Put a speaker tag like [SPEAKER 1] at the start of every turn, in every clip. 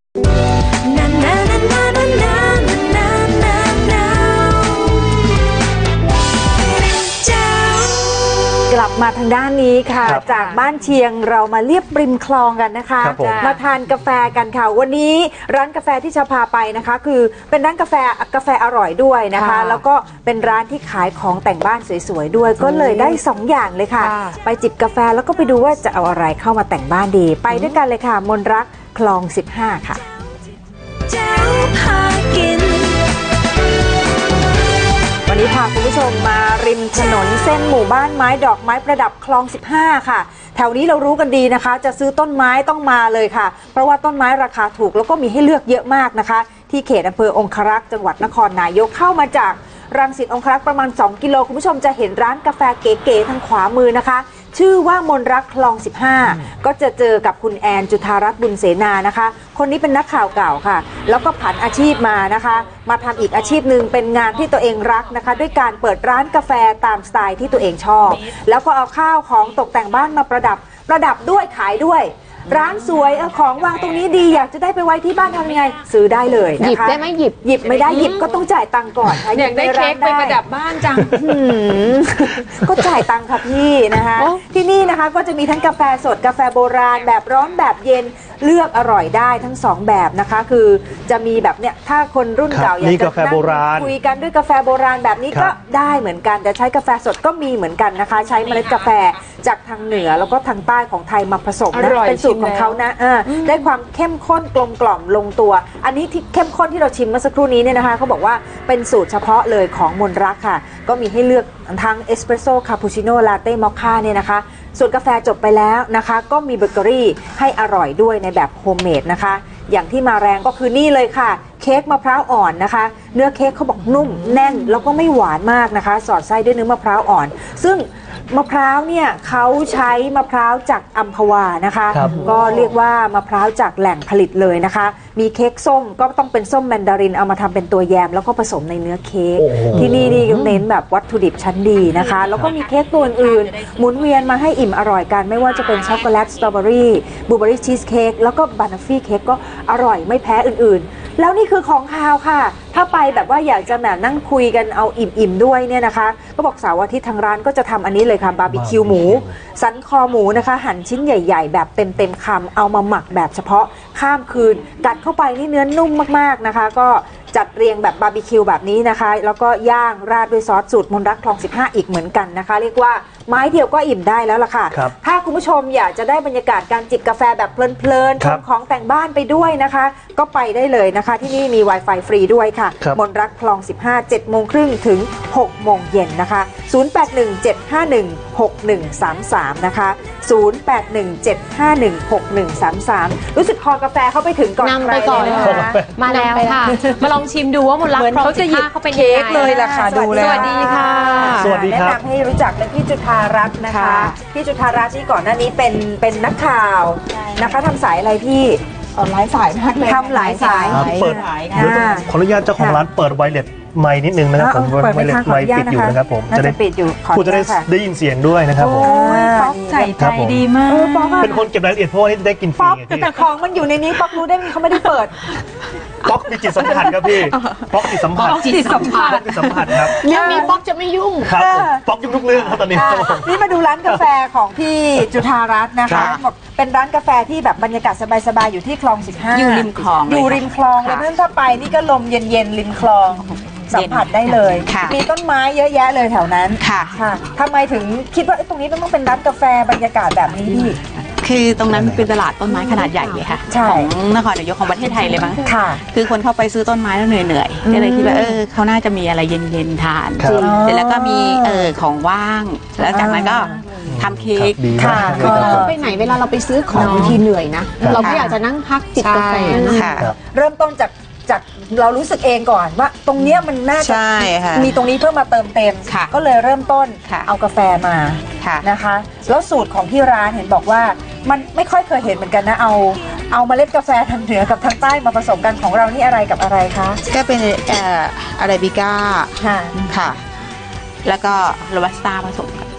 [SPEAKER 1] กลับมาทางด้านนี้ค่ะจากบ้านเชียงเรามาเลียบริมคลองกันนะคะมาทานกาแฟกันค่ะวันนี้ร้านกาแฟที่จะพาไปนะคะคือเป็นร้านกาแฟอร่อยด้วยนะคะแล้วก็เป็นร้านที่ขายของแต่งบ้านสวยๆด้วยก็เลยได้2อย่างเลยค่ะไปจิบกาแฟแล้วก็ไปดูว่าจะเอาอะไรเข้ามาแต่งบ้านดีไปด้วยกันเลยค่ะมนรักคลอง15ค่ะวันนี้พาคุณผู้ชมมาริมถนนเส้นหมู่บ้านไม้ดอกไม้ประดับคลอง15ค่ะแถวนี้เรารู้กันดีนะคะจะซื้อต้นไม้ต้องมาเลยค่ะเพราะว่าต้นไม้ราคาถูกแล้วก็มีให้เลือกเยอะมากนะคะที่เขตอำเภอองครักษ์จังหวัดนครนายกเข้ามาจากรังสิตองครักษ์ประมาณ2 กิโลคุณผู้ชมจะเห็นร้านกาแฟเก๋ๆทางขวามือนะคะชื่อว่ามนรักคลอง15ก็จะเจอกับคุณแอนจุธารัตน์บุญเสนานะคะคนนี้เป็นนักข่าวเก่าค่ะแล้วก็ผันอาชีพมานะคะมาทำอีกอาชีพหนึ่งเป็นงานที่ตัวเองรักนะคะด้วยการเปิดร้านกาแฟตามสไตล์ที่ตัวเองชอบแล้วก็เอาข้าวของตกแต่งบ้านมาประดับด้วยขายด้วยร้านสวยของวางตรงนี้ดีอยากจะได้ไปไว้ที่บ้านทำยังไงซื้อได้เลยนะคะหยิบได้ไหมหยิบไม่ได้หยิบก็ต้องจ่ายตังค์ก่อนค่ะอยากได้เค้กไปประดับบ้านจังก็จ่ายตังค์ค่ะพี่นะคะที่นี่นะคะก็จะมีทั้งกาแฟสดกาแฟโบราณแบบร้อนแบบเย็นเลือกอร่อยได้ทั้ง2แบบนะคะคือจะมีแบบเนี้ยถ้าคนรุ่นเก่าอยากจะนั่งคุยกันด้วยกาแฟโบราณแบบนี้ก็ได้เหมือนกันแต่ใช้กาแฟสดก็มีเหมือนกันนะคะใช้เมล็ดกาแฟจากทางเหนือแล้วก็ทางใต้ของไทยมาผสมนะเป็นสูตรของเขานะได้ความเข้มข้นกลมกล่อมลงตัวอันนี้ที่เข้มข้นที่เราชิมเมื่อสักครู่นี้เนี่ยนะคะเขาบอกว่าเป็นสูตรเฉพาะเลยของมนรักค่ะก็มีให้เลือกทั้งเอสเปรสโซ่คาปูชิโน่ลาเต้มอคค่าเนี่ยนะคะส่วนกาแฟจบไปแล้วนะคะก็มีเบเกอรี่ให้อร่อยด้วยในแบบโฮมเมดนะคะอย่างที่มาแรงก็คือนี่เลยค่ะเค้กมะพร้าวอ่อนนะคะเนื้อเค้กเขาบอกนุ่มแน่นแล้วก็ไม่หวานมากนะคะสอดไส้ด้วยเนื้อมะพร้าวอ่อนซึ่งมะพร้าวเนี่ยเขาใช้มะพร้าวจากอัมพวานะคะก็เรียกว่ามะพร้าวจากแหล่งผลิตเลยนะคะมีเค้กส้มก็ต้องเป็นส้มแมนดารินเอามาทำเป็นตัวแยมแล้วก็ผสมในเนื้อเค้กที่นี่เน้นแบบวัตถุดิบชั้นดีนะคะแล้วก็มีเค้กตัวอื่นหมุนเวียนมาให้อิ่มอร่อยกันไม่ว่าจะเป็นช็อกโกแลตสตรอเบอรี่บลูเบอรี่ชีสเค้กแล้วก็บานาฟี่เค้กก็อร่อยไม่แพ้อื่นๆแล้วนี่คือของคาวค่ะถ้าไปแบบว่าอยากจะแบบนั่งคุยกันเอาอิ่มๆด้วยเนี่ยนะคะก็บอกเสาร์อาทิตย์ทางร้านก็จะทำอันนี้เลยค่ะบาร์บีคิวหมูสันคอหมูนะคะหั่นชิ้นใหญ่ๆแบบเต็มคำเอามาหมักแบบเฉพาะข้ามคืนกัดเข้าไปนี่เนื้อนุ่มมากๆนะคะก็จัดเรียงแบบบาร์บีคิวแบบนี้นะคะแล้วก็ย่างราดด้วยซอสสูตรมนรักคลอง15อีกเหมือนกันนะคะเรียกว่าไม้เดียวก็อิ่มได้แล้วล่ะค่ะถ้าคุณผู้ชมอยากจะได้บรรยากาศการจิบกาแฟแบบเพลินๆชมของแต่งบ้านไปด้วยนะคะก็ไปได้เลยนะคะที่นี่มี Wi-Fi ฟรีด้วยค่ะมนรักคลอง15 7 โมงครึ่งถึง6 โมงเย็นนะคะ0817516133นะคะ0817516133รู้สึกคอกาแฟเขาไปถึงก่อนนำไปก่อนมาแล้วค่ะมาลองชิมดูว่ามนรักคลอง15เขาเป็นยังไงเลยล่ะค่ะดูเลยสวัสดีค่ะสวัสดีครับแนะนำให้รู้จักเป็นพี่จุฑารัตน์นะคะพี่จุฑารัตน์ที่ก่อนหน้านี้เป็นนักข่าวนะคะทำสายอะไรพี่หลายสายมากเลยทำหลายสาย
[SPEAKER 2] เปิดขออนุญาตเจ้าของร้านเปิดไวเลสไมค์นิดนึงนะครับผมไวเลสไมค์ปิดอยู่นะครับผมจะได้ปิดอยู่คุณจะได้ยินเสียงด้วยนะครับผม
[SPEAKER 1] ป๊อกใส่ใจดีมาก
[SPEAKER 2] เป็นคนเก็บรายละเอียดเพราะว่าได้กินฟรี
[SPEAKER 1] แต่ของมันอยู่ในนี้ป๊อกรู้ได้ไหมเขาไม่ได้เปิด
[SPEAKER 2] ป๊อกมีจิตสัมผัสครับพี่ป๊อกจิตสัมผัสครับ
[SPEAKER 3] เรื่องนี้ป๊อกจะไม่ยุ่ง
[SPEAKER 2] ครับป๊อกยุ่งทุกเรื่องครับตอนนี้
[SPEAKER 1] นี่มาดูร้านกาแฟของพี่จุฑารัตน์นะคะเป็นร้านกาแฟที่แบบบรรยากาศสบายๆอยู่ที่คลอง15
[SPEAKER 3] อยู่ริมคลอง
[SPEAKER 1] อยู่ริมคลองเลยเพื่อนถ้าไปนี่ก็ลมเย็นๆริมคลองสัมผัสได้เลยมีต้นไม้เยอะแยะเลยแถวนั้นค่ะทำไมถึงคิดว่าตรงนี้ต้องเป็นร้านกาแฟบรรยากาศแบบนี้พี่
[SPEAKER 3] คือตรงนั้นมันเป็นตลาดต้นไม้ขนาดใหญ่เลยค่ะของนครนายกของประเทศไทยเลยมั้ง
[SPEAKER 1] ค่ะ
[SPEAKER 3] คือคนเข้าไปซื้อต้นไม้แล้วเหนื่อยก็เลยคิดว่าเขาน่าจะมีอะไรเย็นๆทานเสร็จแล้วก็มีของว่างแล้วจากนั้นก็ทำเค้ก
[SPEAKER 1] ค่ะ
[SPEAKER 4] เราไปไหนเวลาเราไปซื้อของบางทีเหนื่อยนะเราก็อยากจะนั่งพักจิบกาแฟ
[SPEAKER 1] ค่ะเริ่มต้นจากเรารู้สึกเองก่อนว่าตรงเนี้ยมันน่าจะมีตรงนี้เพื่อมาเติมเต็มก็เลยเริ่มต้นเอากาแฟมานะคะแล้วสูตรของที่ร้านเห็นบอกว่ามันไม่ค่อยเคยเห็นเหมือนกันนะเอาเมล็ดกาแฟทางเหนือกับทางใต้มาผสมกันของเรานี่อะไรกับอะไรคะ
[SPEAKER 3] ก็เป็นอาราบิก้าค่ะแล้วก็โรบัสต้าผสมกัน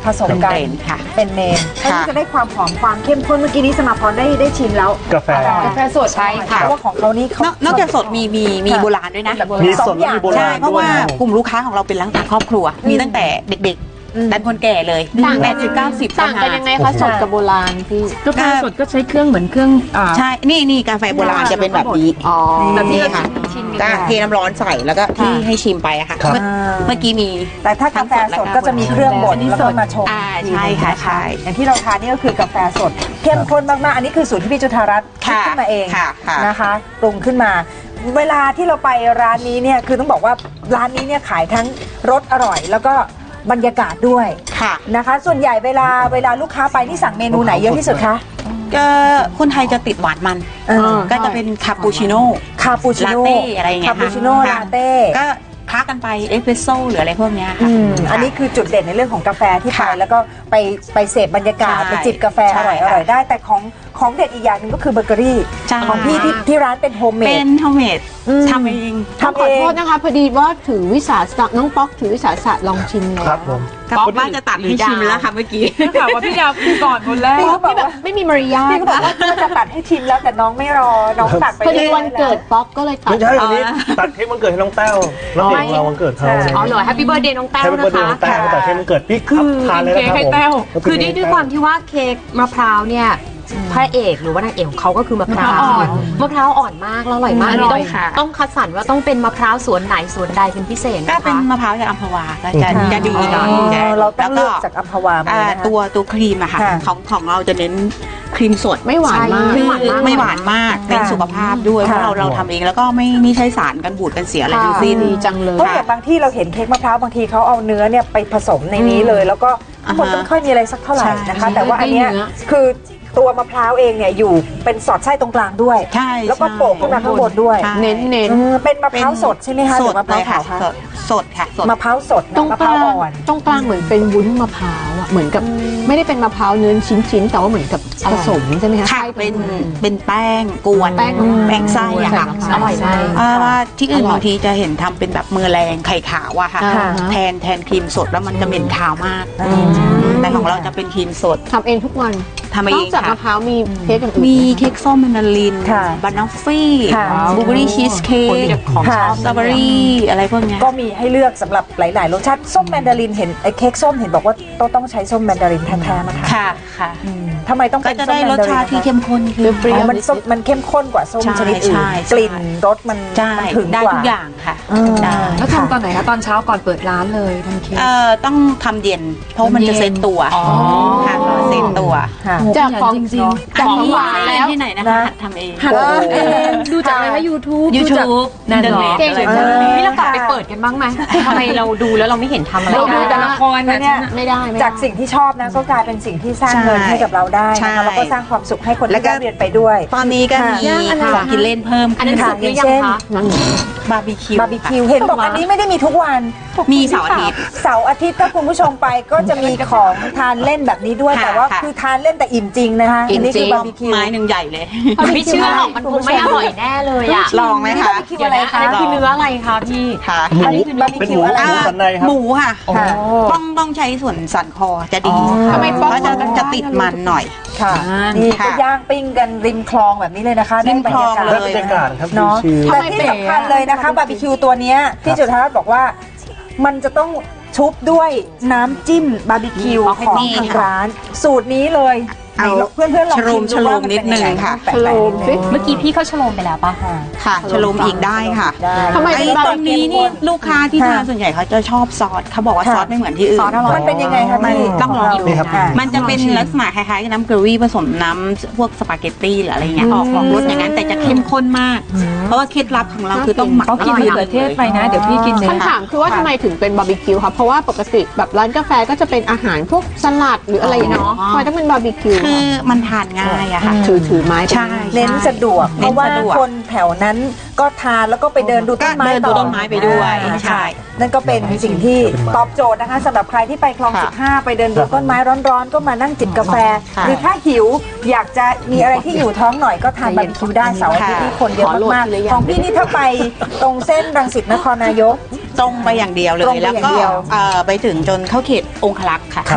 [SPEAKER 1] ผสมกัน
[SPEAKER 3] ค่ะ
[SPEAKER 1] เป็นเมนเพื่อที่จะได้ความหอมความเข้มข้นเมื่อกี้นี้สมาพรได้ชิมแล้ว
[SPEAKER 2] กาแฟ
[SPEAKER 4] กาแฟสดใช่ค่ะ
[SPEAKER 1] เพราะว่าของเขานี่เขา
[SPEAKER 3] นอกจากสดมีโบราณด้วยนะ
[SPEAKER 2] มีสดและมีโบรา
[SPEAKER 3] ใช่
[SPEAKER 2] ณ
[SPEAKER 3] เพราะ
[SPEAKER 2] ด้วย
[SPEAKER 3] ว่า
[SPEAKER 2] นะครับ
[SPEAKER 3] กลุ่มลูกค้าของเราเป็นร้านต่างครอบครัว มีตั้งแต่เด็กๆดันคนแก่เลย
[SPEAKER 4] ต่างกัน
[SPEAKER 3] 80-90
[SPEAKER 4] ต่างกันยังไงคะสดกับโบราณพี่
[SPEAKER 5] กาแฟสดก็ใช้เครื่องเหมือนเครื่อง
[SPEAKER 3] ใช่นี่กาแฟโบราณจะเป็นแบบนี้
[SPEAKER 4] อ๋อ
[SPEAKER 3] แบบนี้ค่ะก็เทน้ำร้อนใส่แล้วก็ที่ให้ชิมไปอะค่ะ
[SPEAKER 2] ครับ
[SPEAKER 3] เมื่อกี้มี
[SPEAKER 1] แต่ถ้ากาแฟสดก็จะมีเครื่องบดแล้วก็มาชง
[SPEAKER 3] ใช่ค่ะใช่
[SPEAKER 1] อย่างที่เราทานนี่ก็คือกาแฟสดเข้มข้นมากๆ อันนี้คือสูตรที่พี่จุฑารัตน์คิดขึ้นมาเอง
[SPEAKER 3] ค่ะ
[SPEAKER 1] นะคะปรุงขึ้นมา เวลาที่เราไปร้านนี้เนี่ยคือต้องบอกว่าร้านนี้เนี่ยขายทั้งรสอร่อย แล้วก็บรรยากาศด้วย
[SPEAKER 3] ค่ะ
[SPEAKER 1] นะคะ ส่วนใหญ่เวลาลูกค้าไปนี่สั่งเมนูไหนเยอะที่สุดคะ
[SPEAKER 3] ก็คนไทยจะติดหวานมัน ก็จะเป็นคาปูชิโน่
[SPEAKER 1] คาปูชิโน่
[SPEAKER 3] ลาเต้อะไรอย่างเงี้ย
[SPEAKER 1] คาปูชิโน่
[SPEAKER 3] ค่ะ
[SPEAKER 1] ลาเต้
[SPEAKER 3] ก็คล้ากันไปเอสเปรสโซ่หรืออะไรพวกเนี้ยค่ะ
[SPEAKER 1] อันนี้คือจุดเด่นในเรื่องของกาแฟที่ไป
[SPEAKER 3] ค่ะ
[SPEAKER 1] แล้วก็ไปเสพบรรยากาศ
[SPEAKER 3] ใช่
[SPEAKER 1] ไปจิบกาแฟ
[SPEAKER 3] ใช่
[SPEAKER 1] อร่อยได้ แต่ของเด็ดอีกอย่างหนึ่งก็คือเบเกอรี่
[SPEAKER 3] ใช่
[SPEAKER 1] ของพี่ที่ร้านเป็นโฮมเม
[SPEAKER 3] เป็
[SPEAKER 1] ด
[SPEAKER 3] นโฮมเมด
[SPEAKER 1] อืม
[SPEAKER 3] ทำเอง
[SPEAKER 4] ต้องขอโทษนะคะพอดีว่าถือวิสาสะน้องป๊อกถือวิสาสะลองชิมเลย
[SPEAKER 2] ครับผม
[SPEAKER 3] ป๊อกว่าจะตัดให้ชิมแล้วค่ะเมื่อกี้
[SPEAKER 5] ถามว่าพี่ดาวคือก่อนคนแรก
[SPEAKER 1] พี่ก็บอกว่า
[SPEAKER 4] ไม่มีมารยาท
[SPEAKER 1] พี่ก็บอกว่าจะตัดให้ชิมแล้วแต่น้องไม่รอ น้องตัดไป
[SPEAKER 4] พอดี
[SPEAKER 1] รื่อยๆ
[SPEAKER 4] วันเกิดป๊อกก็เลยตัด
[SPEAKER 2] ไม่ใช่วันนี้ตัดเค้กวันเกิดให้น้องแต้วน้องเอกเราวันเกิดเขา
[SPEAKER 4] อ๋อเหรอแฮปปี้เบิร์ดเดย์น้องแต้ว
[SPEAKER 2] ให้เป็น
[SPEAKER 4] นะ
[SPEAKER 2] เบอร์เดย์
[SPEAKER 4] คะ
[SPEAKER 2] น้องแต้วตัดเค้กวันเกิดพี่ครับทานเลยนะครับผม
[SPEAKER 6] คือด้วยความที่ว่าเค้กมะพร้าวเนี่ยพระเอกหรือว่านางเอกของเขาก็คือมะพร้าวมะพร้าวอ่อนมากแล้วอร่อยมากอันนี้
[SPEAKER 3] อร่อยค่ะ
[SPEAKER 6] ต้องคัดสรรว่าต้องเป็นมะพร้าวสวนไหนสวนใดเป็นพิเศษ
[SPEAKER 3] ก็
[SPEAKER 6] นะ
[SPEAKER 3] เป็น
[SPEAKER 6] คะ
[SPEAKER 3] มะพร้าวจากอัมพวาก็จะดีหน่อย
[SPEAKER 1] เราต้องเลือก
[SPEAKER 3] แล้ว
[SPEAKER 1] จากอัมพวามาเลยนะคะ
[SPEAKER 3] ตัวครีมอะค่ะ
[SPEAKER 1] ค่ะ
[SPEAKER 3] ของเราจะเน้นครีมสด
[SPEAKER 4] ไม่หวานมาก
[SPEAKER 3] คือไม่หวานมากเป็นสุขภาพด้วยเพ
[SPEAKER 1] ค่ะ
[SPEAKER 3] ราะเราทำเองแล้วก็ไม่ใช้สารกันบูดกันเสียอะไรทั้งสิ้น
[SPEAKER 4] ดีจังเลย
[SPEAKER 1] เพราะอย่างบางที่เราเห็นเค้กมะพร้าวบางทีเขาเอาเนื้อเนี่ยไปผสมในนี้เลย แล้วก็คนไม่ค่อยมีอะไรสักเท่าไหร่นะคะ แต่ว่าอันเนี้ยคือตัวมะพร้าวเองเนี่ยอยู่เป็นสอดไส้ตรงกลางด้วย
[SPEAKER 3] ใช่
[SPEAKER 1] แล้วก็โปะขึ้นมาข้างบนด้วย
[SPEAKER 3] ใช่
[SPEAKER 4] เน้น
[SPEAKER 1] เป็นมะพร้าวสดใช่ไหมคะห
[SPEAKER 3] ส
[SPEAKER 1] รื
[SPEAKER 3] ด
[SPEAKER 1] อมะพ
[SPEAKER 3] เล
[SPEAKER 1] ร้าวย
[SPEAKER 3] ค่ะ
[SPEAKER 1] ขาวคะ
[SPEAKER 3] สดค่ะสด
[SPEAKER 1] มะพร้าวสด
[SPEAKER 4] ตรง
[SPEAKER 1] มะ
[SPEAKER 4] ก
[SPEAKER 1] พร้าว
[SPEAKER 4] ลาง
[SPEAKER 1] อ่อน
[SPEAKER 4] ตรงกลางเหมือนเป็นวุ้นมะพร้าวอ่ะเหมือนกับไม่ได้เป็นมะพร้าวเนื้อชิ้นๆแต่ว่าเหมือนกับผสมใช่ไหมคะ
[SPEAKER 3] ค่ะ
[SPEAKER 4] ไส้
[SPEAKER 3] เป็นแป้งกวน
[SPEAKER 4] แป้ง
[SPEAKER 3] ไส้อะค่ะ
[SPEAKER 4] อร่อยมาก
[SPEAKER 3] ว่าที่อื่น
[SPEAKER 4] อร่อย
[SPEAKER 3] บางทีจะเห็นทำเป็นแบบมือแรงไข่ขาวอะค่ะ
[SPEAKER 4] อ่าฮะ
[SPEAKER 3] แทนครีมสดแล้วมันจะเหม็นคาวมาก แต่ของเราจะเป็นครีมสด
[SPEAKER 4] ทำเองทุกวัน
[SPEAKER 3] ทำเอน
[SPEAKER 4] อก
[SPEAKER 3] ง
[SPEAKER 4] จากมะ
[SPEAKER 3] ค่ะ
[SPEAKER 4] พร้าวมีเค้กอย่างอื่น
[SPEAKER 3] มี
[SPEAKER 4] ไห
[SPEAKER 3] เค้กส้มแมนดาริน
[SPEAKER 1] ค่ะ
[SPEAKER 3] บานอฟฟี่
[SPEAKER 1] ค่ะ
[SPEAKER 3] บลูเบอรี่ชีสเค้ก
[SPEAKER 1] ค่ะ
[SPEAKER 3] สตรอเบอรี่อะไรพวกเนี้ย
[SPEAKER 1] ก็มีให้เลือกสำหรับหลาย ๆ รสชาติส้มแมนดารินเห็นไอ้เค้กส้มเห็นบอกว่าต้องใช้ส้มแมนดารินแท้ๆนะคะ
[SPEAKER 3] ค่ะค่ะ
[SPEAKER 1] ทำไมต้อง
[SPEAKER 3] ก็
[SPEAKER 1] เป็น
[SPEAKER 3] จะ
[SPEAKER 1] ส้ม
[SPEAKER 3] ได้
[SPEAKER 1] แมน
[SPEAKER 3] รส
[SPEAKER 1] ดาริน
[SPEAKER 3] ชาติที่
[SPEAKER 1] นะคะ
[SPEAKER 3] เข้มข้นขึ้น
[SPEAKER 4] เปรี้ยว
[SPEAKER 1] มันเข้มข้นกว่าส้ม
[SPEAKER 3] ใช่
[SPEAKER 1] ชนิดอื่น
[SPEAKER 3] ใช่
[SPEAKER 1] กลิ่นรสมัน
[SPEAKER 3] ใช่
[SPEAKER 1] มันถึง
[SPEAKER 3] ได้
[SPEAKER 1] กว่า
[SPEAKER 3] ทุกอย่างค่ะ ได้
[SPEAKER 5] แล้วทำตอนไหนคะตอนเช้าก่อนเปิดร้านเลยทำเค้ก
[SPEAKER 3] ต้องทำเย็น เพราะมันจะเซ็ตตัวค่ะเซ็ตตัว
[SPEAKER 1] ค่ะ
[SPEAKER 4] จากของ
[SPEAKER 5] จริงๆ
[SPEAKER 4] จากของหวาน
[SPEAKER 3] ไม่
[SPEAKER 4] แล้ว
[SPEAKER 3] ที่ไหนนะคะหัดทำเอง
[SPEAKER 1] โอ้โห
[SPEAKER 5] ดูจากอะไรคะ YouTube ดูจาก
[SPEAKER 3] YouTube
[SPEAKER 5] นั่นเหรอ
[SPEAKER 3] เก่ง
[SPEAKER 5] อะไร
[SPEAKER 1] จัง
[SPEAKER 6] นี่เรากลับไปเปิดกันบ้างไหมทำไมเราดูแล้วเราไม่เห็นทำอะไร
[SPEAKER 5] เราดู
[SPEAKER 6] ได้
[SPEAKER 5] แต่ละคร
[SPEAKER 1] แล้ว
[SPEAKER 5] นะ
[SPEAKER 1] เนี่ย
[SPEAKER 4] ไม่ได้
[SPEAKER 1] จากสิ่งที่ชอบนะก็กลายเป็นสิ่งที่สร้างเงินให้กับเราได้
[SPEAKER 3] ใช่
[SPEAKER 1] นะคะแล้วก็สร้างความสุขให้คน
[SPEAKER 3] แล้
[SPEAKER 1] ที่
[SPEAKER 3] วก็
[SPEAKER 1] ได้เรียนไปด้วย
[SPEAKER 3] ตอนนี้ก็มีของกินเล่นเพิ่ม
[SPEAKER 6] อันนั้น
[SPEAKER 3] ขึ้
[SPEAKER 6] สุกหรือยังคะ
[SPEAKER 4] นั่นไง
[SPEAKER 3] บาร์บีคิว
[SPEAKER 1] บาร์บีคิวเห็นบอกอันนี้ไม่ได้มีทุกวัน
[SPEAKER 3] มีเสาร์อาทิตย์
[SPEAKER 1] เสาร์อาทิตย์ถ้าคุณผู้ชมไปก็จะมีของทานเล่นแบบนี้ด้วย
[SPEAKER 3] ค่ะ
[SPEAKER 1] แต่ว่า
[SPEAKER 3] ค่ะ
[SPEAKER 1] คือทานเล่นแต่อิ่มจริงนะคะ
[SPEAKER 4] อิ่
[SPEAKER 1] อัน
[SPEAKER 4] ม
[SPEAKER 1] นี้
[SPEAKER 4] จริ
[SPEAKER 1] คื
[SPEAKER 4] ง
[SPEAKER 1] อบาร์บีคิว
[SPEAKER 3] ไม้หนึ่งใหญ่เลย
[SPEAKER 6] ไม่เชื่อหรอกมันคงไม่อร่อยแน่เลยอ่ะ
[SPEAKER 3] ลองไหมคะ
[SPEAKER 1] คิวอะไรคะ
[SPEAKER 6] อันนั้นคือเนื้ออะไรคะพี่
[SPEAKER 3] ค่ะ
[SPEAKER 2] หมู
[SPEAKER 1] อันนี้คือบาร์บี
[SPEAKER 2] เป็น
[SPEAKER 1] คิ
[SPEAKER 2] ห
[SPEAKER 1] ว
[SPEAKER 2] มู
[SPEAKER 1] อะไร
[SPEAKER 2] หมูสันในครับ
[SPEAKER 3] หมูค่ะ
[SPEAKER 1] ค่ะ
[SPEAKER 3] ต้องใช้ส่วนสันคอจะดี
[SPEAKER 4] ทำไมป๊อก
[SPEAKER 3] เพราะจะติดมันหน่อย
[SPEAKER 1] ค่ะนี่
[SPEAKER 3] ค่ะ
[SPEAKER 1] ก็ย่างปิ้งกันริมคลองแบบนี้เลยนะคะ
[SPEAKER 3] ริมคลอง
[SPEAKER 1] ได้
[SPEAKER 2] ได้
[SPEAKER 1] บบ
[SPEAKER 2] รรยากาศครับ
[SPEAKER 1] เนาะ
[SPEAKER 2] ชิล
[SPEAKER 1] แต่ที่สำคัญเลยนะคะบาร์บีคิวตัวเนี้ยที่จุฑารัตน์บอกว่ามันจะต้องชุบด้วยน้ำจิ้มบาร์บีคิวของ
[SPEAKER 3] นี่
[SPEAKER 1] ทาง
[SPEAKER 3] ค่ะ
[SPEAKER 1] ร้าน สูตรนี้เลย
[SPEAKER 3] เอา
[SPEAKER 1] เพื่อนๆลองชิม
[SPEAKER 3] ช
[SPEAKER 1] ดู
[SPEAKER 3] โล
[SPEAKER 1] ว่าม มัน
[SPEAKER 3] นิด
[SPEAKER 1] เป็น
[SPEAKER 3] นึ
[SPEAKER 1] ยัง
[SPEAKER 3] ง
[SPEAKER 1] ไง
[SPEAKER 3] ค่ะ
[SPEAKER 4] ชโลมสิ
[SPEAKER 6] เมื่อกี้พี่เขาชโลมไปแล้วปะ
[SPEAKER 3] ค่ะชโลมอีกได้ค่ะ
[SPEAKER 1] ได้
[SPEAKER 4] ทำไม
[SPEAKER 3] ไอ้
[SPEAKER 4] เป็นบาร์
[SPEAKER 3] ต
[SPEAKER 4] บี
[SPEAKER 3] รง
[SPEAKER 4] คิ
[SPEAKER 3] นี้
[SPEAKER 4] ว
[SPEAKER 3] นี่ลูกค้าที่ทานส่วนใหญ่เขาจะชอบซอสเขาบอกว่าซอสไม่เหมือนที่อื่น
[SPEAKER 6] ซอสอร่อย
[SPEAKER 1] มันเป็นยังไงคะ
[SPEAKER 3] มัน
[SPEAKER 1] พี่
[SPEAKER 3] ต้องลองดู
[SPEAKER 2] นี่ครับ
[SPEAKER 3] มันจะเป็นลักษณะคล้ายๆกับน้ำเกรวี่ผสมน้ำพวกสปาเกตตี้หรืออะไรเงี้ยออกรสอย่างนั้นแต่จะเข้มข้นมาก เพราะว่าเคล็ดลับของเราคือต้องหมัก
[SPEAKER 5] เขากินมะเขือเทศไปนะ เดี๋ยวพี่กินเนื้อ
[SPEAKER 4] คำถามคือว่าทำไมถึงเป็นบาร์บีคิวคะเพราะว่าปกติแบบร้านกาแฟก็จะเป็นอาหารพวกสลัดหรืออะไรเนาะทำไมต้องเป็นบาร์บีคิว
[SPEAKER 3] คือมันทานง่ายอะค่ะ
[SPEAKER 4] ถือไม้ไป
[SPEAKER 3] ใช่
[SPEAKER 1] เน้นสะดวกเพ
[SPEAKER 3] เน้น
[SPEAKER 1] ราะว่า
[SPEAKER 3] สะดวก
[SPEAKER 1] คนแถวนั้นก็ทานแล้วก็ไปเดินดูต้นไม้
[SPEAKER 3] ก็เดินดูต้นไม้ไปด้วย
[SPEAKER 1] อ่า
[SPEAKER 3] ใช่
[SPEAKER 1] นั่นก็เป็นสิ่งที่ตอบโจทย์นะคะสำหรับใครที่ไปคลอง
[SPEAKER 3] ค่ะ
[SPEAKER 1] 15 ไปเดินดูต้นไม้ร้อนๆ ก็มานั่งจิบกาแฟ
[SPEAKER 3] ค่ะ
[SPEAKER 1] หรือถ้าหิวอยากจะมีอะไรที่อยู่ท้องหน่อยก็ทานบาร์บีคิวได้เสาร์อาทิตย์ที่คนเยอะมากๆของพี่นี่ถ้าไปตรงเส้นรังสิตนครนายก
[SPEAKER 3] ตรงไปอย่างเดียวเล
[SPEAKER 1] ตรง
[SPEAKER 3] ย
[SPEAKER 1] ไป
[SPEAKER 3] แล้ว
[SPEAKER 1] อย่าง
[SPEAKER 3] ก็
[SPEAKER 1] เดียว
[SPEAKER 3] ไปถึงจนเข้าเขตองคลักษ์ค่ะ
[SPEAKER 1] ค่ะ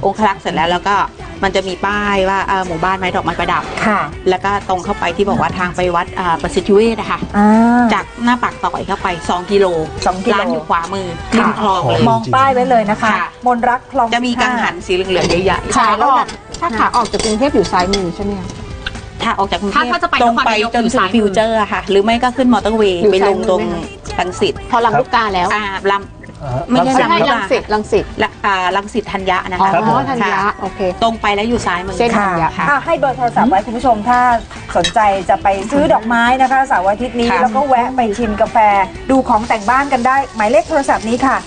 [SPEAKER 3] องคลักษ์เสร็จแล้วก็มันจะมีป้ายว่าหมู่บ้านไม้ดอกไม้ประดับ
[SPEAKER 1] ค่ะ
[SPEAKER 3] แล้วก็ตรงเข้าไปที่บอกว่าทางไปวัดประสิทธิเวชนะคะ จากหน้าปากซอยเข้าไป2 กิโล
[SPEAKER 1] 2 กิโล
[SPEAKER 3] ร้านอยู่ขวามือริมคลองเลย
[SPEAKER 1] มองป้ายไว้เลยนะคะ
[SPEAKER 3] ค่ะ
[SPEAKER 1] มนรักคลอง
[SPEAKER 3] จะมีกังหันสีเหลืองๆใหญ่
[SPEAKER 4] ขาออกถ้าขาออกจากกรุงเทพอยู่ซ้ายมือใช่ไหมคะ
[SPEAKER 3] ๆถ้าออกจากกรุงเทพ
[SPEAKER 6] ถ้าจะไป
[SPEAKER 3] ตรงไป
[SPEAKER 6] นครนายก
[SPEAKER 3] จน
[SPEAKER 6] อยู่
[SPEAKER 3] ถึง
[SPEAKER 6] ซ้ายมือ
[SPEAKER 3] ฟิวเจอร์ค่ะ หรือไม่ก็ขึ้นมอเตอร์เวย์
[SPEAKER 4] อยู่
[SPEAKER 3] ไปลง
[SPEAKER 4] ซ้ายมือ
[SPEAKER 3] ตรง
[SPEAKER 4] ไหมคะ
[SPEAKER 3] รังสิต
[SPEAKER 4] พอลำลูกกาแล้ว
[SPEAKER 3] ลำไม่ใช่
[SPEAKER 4] ใช่
[SPEAKER 3] ลำ
[SPEAKER 4] รังสิตรังสิต
[SPEAKER 3] รังสิตธัญญะนะ
[SPEAKER 4] อ๋อ
[SPEAKER 3] คะ
[SPEAKER 4] ธัญญะ
[SPEAKER 3] ค่ะ
[SPEAKER 4] โอเค
[SPEAKER 3] ตรงไปแล้วอยู่ซ้ายมือ
[SPEAKER 4] เส้น
[SPEAKER 1] ค่ะ
[SPEAKER 3] ค่ะ
[SPEAKER 1] ให้เบอร์โทรศัพท์ไว้คุณผู้ชมถ้าสนใจจะไปซื้อดอกไม้นะคะเสาร์อาทิตย์นี้
[SPEAKER 3] ค่ะ
[SPEAKER 1] แล้วก็แวะไปชิมกาแฟดูของแต่งบ้านกันได้ หมายเลขโทรศัพท์นี้ค่ะ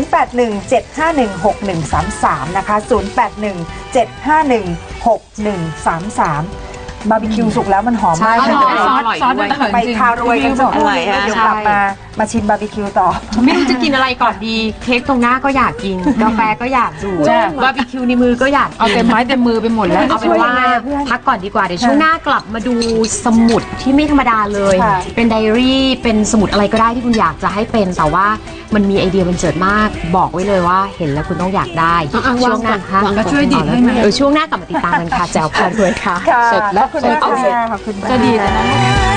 [SPEAKER 1] 0817516133 นะคะ 0817516133 บาร์บีคิวสุกแล้วมันหอมมาก
[SPEAKER 5] ใช่
[SPEAKER 1] เลย
[SPEAKER 5] ซอสมันอร่อย
[SPEAKER 1] ไปทารวยกันสักครู่
[SPEAKER 3] อร่อย
[SPEAKER 1] นึงแล้ว
[SPEAKER 3] ค่ะ
[SPEAKER 1] เดี๋ยวกลับมาชิมบาร์บีคิวต่อ
[SPEAKER 6] ไม่รู้จะกินอะไรก่อนดี เค้กตรงหน้าก็อยากกิน กาแฟก็อยากดู
[SPEAKER 5] ใช่
[SPEAKER 6] บาร์บีคิวในมือก็อยาก
[SPEAKER 5] เอา
[SPEAKER 6] กิน
[SPEAKER 5] เต็มไม้เต็มมือไปหมดแล้ว
[SPEAKER 6] เอาเป็นว่า
[SPEAKER 1] ช่วยยังไงอะเพื่อน
[SPEAKER 6] พักก่อนดีกว่า เดี๋ยวช่วงหน้ากลับมาดูสมุดที่ไม่ธรรมดาเลย
[SPEAKER 1] ค่ะ
[SPEAKER 6] เป็นไดอารี่เป็นสมุดอะไรก็ได้ที่คุณอยากจะให้เป็นแต่ว่ามันมีไอเดียบันเจิดมาก บอกไว้เลยว่าเห็นแล้วคุณต้องอยากได้
[SPEAKER 4] อ่ะ
[SPEAKER 6] ช่วงหน้าค่ะ
[SPEAKER 4] วางก่อน
[SPEAKER 5] ก็ช่วยดีดให้ไหม
[SPEAKER 6] ช่วงหน้ากลับมาติดตามกันค่ะแจวพารวยค่ะ
[SPEAKER 1] ค่ะ
[SPEAKER 4] เสร็จแล้ว
[SPEAKER 1] ขอบคุณมากค่ะขอบคุณมาก
[SPEAKER 5] จะดีแต่นั้น